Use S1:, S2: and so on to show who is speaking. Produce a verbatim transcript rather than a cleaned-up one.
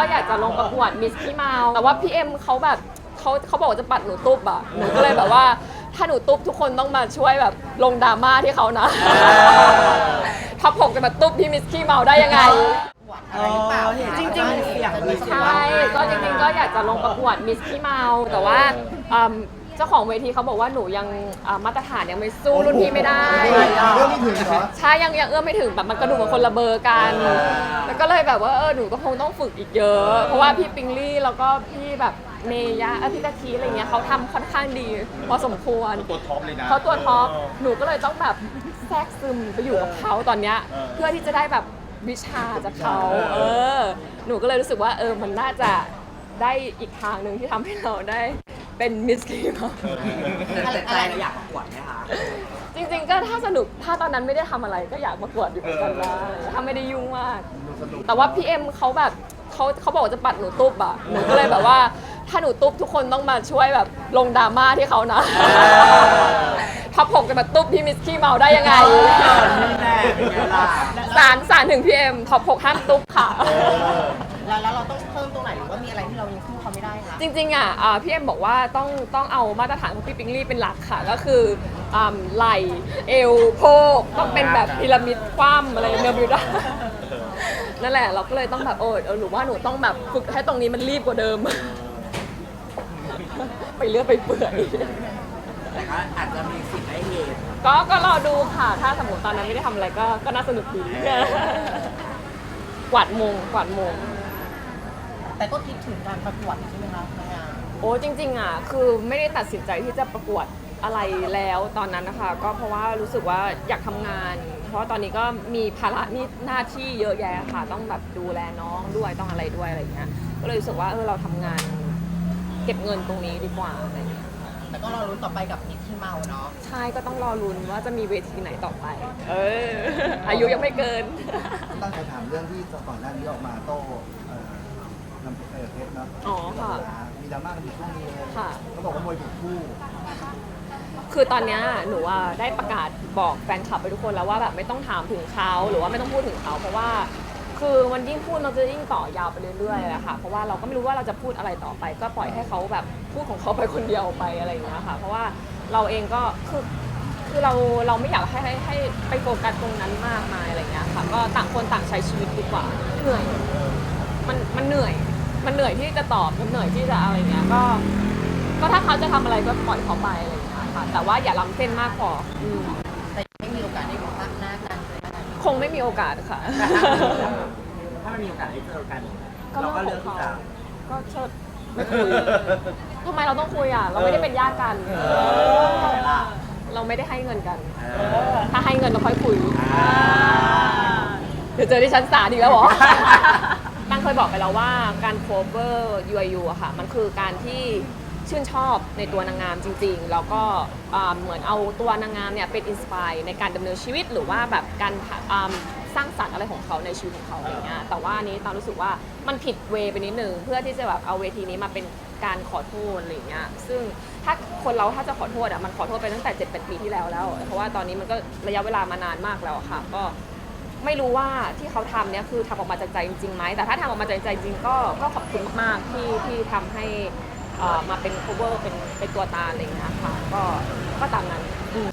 S1: อยากจะลงประกวดมิสขี้เมาแต่ว่าพี่เอ็มเขาแบบเขาเขาบอกว่าจะปัดหนูตุ๊บอะหนูก็เลยแบบว่าถ้าหนูตุ๊บทุกคนต้องมาช่วยแบบลงดราม่าที่เขานะท็อปหกจะมาตุ๊บที่มิสขี้เมาได้ยังไงจริงๆใช่ก็จริงๆก็อยากจะลงประกวดมิสขี้เมาแต่ว่าเจ้าของเวทีเขาบอกว่าหนูยังมาตรฐานยังไม่สู้รุ่นพี่ไม่ได้
S2: เรื่องไม่ถึงเหรอ
S1: ใช่ยังยังเอื้อมไม่ถึงแบบมันกระดูกมันคนละเบอร์กันแล้วก็เลยแบบว่าเออหนูก็คงต้องฝึกอีกเยอะเพราะว่าพี่ปิงลี่แล้วก็พี่แบบเมย่าเออพี่ตะทีอะไรเงี้ยเขาทำค่อนข้างดีพอสมควร
S3: ตัวท็อปเลยนะ
S1: เขาตัวท็อปหนูก็เลยต้องแบบแทรกซึมไปอยู่กับเขาตอนเนี้ยเพื่อที่จะได้แบบวิชาจากเขาเออหนูก็เลยรู้สึกว่าเออมันน่าจะได้อีกทางหนึ่งที่ทำให้เราได้เป็นมิสกีมา
S4: แต่ใจเราอยากประกวดไหมคะ
S1: จริงๆก็ถ้าสนุกถ้าตอนนั้นไม่ได้ทำอะไรก็อยากประกวดอยู่เหมือนกันนะถ้าไม่ได้ยุ่งมากแต่ว่าพี่เอ็มเขาแบบเขาเขาบอกว่าจะปัดหนูตุ๊บอะหนูก็เลยแบบว่าถ้าหนูตุ๊บทุกคนต้องมาช่วยแบบลงดราม่าที่เขานะท็อปหกจะมาตุ๊บที่มิสกี้เมาได้ยังไงสารสารถึงพี่เอ็มท็อปหกห้ามตุ๊บค่ะ
S4: แล้วแล้วเราต้องเพิ่มตรงไหนหรือว่ามีอะไรที่เรายังสู้เขาไม่ได้คะ
S1: จริงๆอ่ะพี่เอ็มบอกว่าต้องต้องเอามาตรฐานของพี่ปิงลี่เป็นหลักค่ะก็คือไหล่เอวโพกต้องเป็นแบบพีระมิดคว่ำอะไรเนอร์บิวด้านั่นแหละเราก็เลยต้องแบบโอ้เออหนูว่าหนูต้องแบบฝึกให้ตรงนี้มันรีบกว่าเดิมไปเลือกไปเปื่อย
S4: แต่ก็อาจจะมีสิ่งได้เหตุ
S1: ก็ก็รอดูค่ะถ้าสมมติตอนนั้นไม่ได้ทำอะไรก็ก็น่าสนุกดีกวาดมงกวาดมง
S4: แต่ก็คิดถึงการประกวดใช่ไหมคะนางงาม
S1: โอ้จริงๆอ่ะคือไม่ได้ตัดสินใจที่จะประกวดอะไรแล้วตอนนั้นนะคะก็เพราะว่ารู้สึกว่าอยากทำงานเพราะตอนนี้ก็มีภาระนี่หน้าที่เยอะแยะค่ะต้องแบบดูแลน้องด้วยต้องอะไรด้วยอะไรเงี้ยก็เลยรู้สึกว่าเออเราทำงานเก็บเงินตรงนี้ดีกว่าอะไรเงี้ย
S4: แต่ก็รอลุ้นต่อไปกับมิสที่เมาเนาะ
S1: ใช่ก็ต้องรอลุ้นว่าจะมีเวทีไหนต่อไปเอออายุยังไม่เกิน
S2: ตั้งใจถามเรื่องที่ก่อนหน้านี้ออกมาโต้นำเพชรเนาะ
S1: อ๋อค่ะ
S2: มีดราม่ากันอยู่ช่วงนี้เลย
S1: ค่ะ
S2: เขาบอกว่ามวยถูกคู่
S1: คือตอนนี้หนูได้ประกาศบอกแฟนคลับไปทุกคนแล้วว่าแบบไม่ต้องถามถึงเขาหรือว่าไม่ต้องพูดถึงเขาเพราะว่าคือมันยิ่งพูดมันจะยิ่งต่อยาวไปเรื่อยๆแหละค่ะเพราะว่าเราก็ไม่รู้ว่าเราจะพูดอะไรต่อไปก็ปล่อยให้เขาแบบพูดของเขาไปคนเดียวไปอะไรอย่างเงี้ยค่ะเพราะว่าเราเองก็คือคือเราเราไม่อยากให้ให้ให้ไปโฟกัสตรงนั้นมากมายอะไรเงี้ยค่ะก็ต่างคนต่างใช้ชีวิตดีกว่าเหนื่อยมันมันเหนื่อยมันเหนื่อยที่จะตอบมันเหนื่อยที่จะอะไรเงี้ยก็ก็ถ้าเขาจะทำอะไรก็ปล่อยเขาไปอะไรอย่างเงี้ยค่ะแต่ว่าอย่าล้ำเส้นมากพอ
S4: แต่ไม่มีโอกาสได้พบหน้ากัน
S1: คงไม่มีโอกาสค่ะ
S4: ถ้ามันมีโอกาสได้เจอกันเราก็เลือกที่จะ
S1: ก็เชิดไม่คุยทำไมเราต้องคุยอ่ะเราไม่ได้เป็นญาติกันเราไม่ได้ให้เงินกันถ้าให้เงินเราค่อยคุยเดี๋ยวเจอที่ชั้นศาลอีกแล้วเหรอตั้งเคยบอกไปแล้วว่าการ cover ยู ไอ ยู อะค่ะมันคือการที่ชื่นชอบในตัวนางงามจริงๆแล้วก็เหมือนเอาตัวนางงามเนี่ยเป็นอินสปายในการดำเนินชีวิตหรือว่าแบบการสร้างสรรค์อะไรของเขาในชีวิตของเขาอย่างเงี้ยแต่ว่านี้ตามรู้สึกว่ามันผิดเวไปนิดนึงเพื่อที่จะแบบเอาเวทีนี้มาเป็นการขอโทษอะไรเงี้ยซึ่งถ้าคนเราถ้าจะขอโทษอะมันขอโทษไปตั้งแต่ เจ็ดแปด ปีที่แล้วแล้วเพราะว่าตอนนี้มันก็ระยะเวลามานานมากแล้วค่ะก็ไม่รู้ว่าที่เขาทำเนี่ยคือทำออกมาจากใจจริงๆไหมแต่ถ้าทำออกมาจากใจจริงก็ก็ขอบคุณมากๆที่ที่ทำให้มาเป็น cover เป็นเป็นตัวตาอะไรอย่างเงี้ยค่ะก็ก็ตามนั้น